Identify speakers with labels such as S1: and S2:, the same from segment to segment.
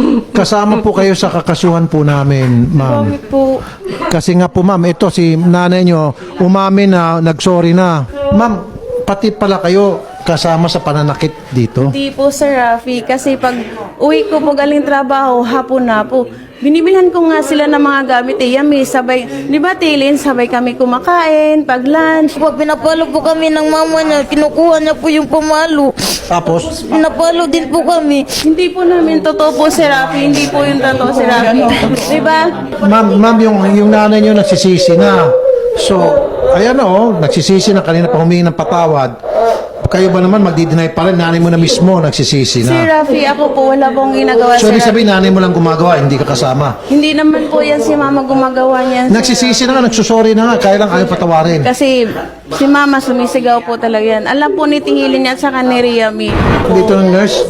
S1: kasama po kayo sa kakasuhan po namin, ma'am.
S2: Bakit po?
S1: Kasi nga po, ma'am, ito si nanay nyo, umamin na, nagsorry na. Ma'am, pati pala kayo kasama sa pananakit dito.
S2: Hindi po, Sir Rafi. Kasi pag uwi ko po galing trabaho, hapon na po. Binibilhan ko nga sila ng mga gamit. Yami, sabay, di ba, Tilin, sabay kami kumakain, pag lunch.
S3: Po, pinapalo po kami ng mama niya. Kinukuha niya po yung pamalo.
S1: Tapos,
S3: Pinapalo din po kami.
S2: Hindi po namin totoo po, Sir Rafi. Hindi po yung totoo, Sir Rafi. Di ba?
S1: ma'am, yung nanay nyo nagsisisi na. So, ayan o, nagsisisi na, kanina pa humingi ng patawad. Kayo ba naman magdi-deny pa rin? Nanay mo na mismo nagsisisi
S2: Sir
S1: na.
S2: Rafi, ako po, wala pong ginagawa,
S1: So,
S2: Sir
S1: ibig
S2: Rafi.
S1: sabihin, nanay mo lang gumagawa, hindi ka kasama.
S2: Hindi naman po yan si Mama gumagawa niyan. Sir.
S1: Nagsisisi na nga, nagsusorry na nga, kaya lang ayaw patawarin.
S2: Kasi si Mama sumisigaw po talaga yan. Alam po ni Tihilin at saka ni Riami.
S1: Dito ng nurse,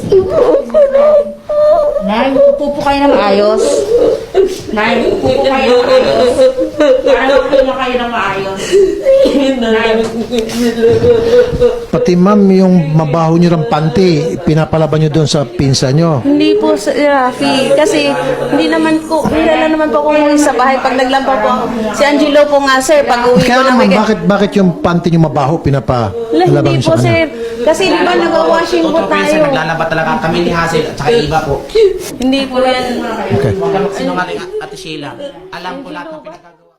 S4: Nay, upo po kayo ng maayos. Nay, upo po kayo ng maayos. Para upo na kayo ng maayos. Nay,
S1: pati ma'am, yung mabaho nyo ng panty, pinapalaban nyo doon sa pinsa nyo.
S2: Hindi po, Sir Rafi. Kasi hindi naman po, nilala naman po ako umuwi sa bahay pag naglampaw po ako. Si Angelo po nga, Sir, pag uwi ko
S1: Kaya
S2: na
S1: naman, bakit yung panty nyo mabaho, pinapalabang
S2: Hindi
S1: nyo
S2: po,
S1: sa
S2: Sir.
S1: kanya?
S2: Kasi di ba nag-washing po
S5: Totoo po yun, sir.
S2: tayo.
S5: Naglalaba talaga kami ni Hazel at saka iba po.
S2: Hindi po yan.
S5: Huwag kang sinungaling, Ate Sheila. Alam ko lahat ng pinagagawa.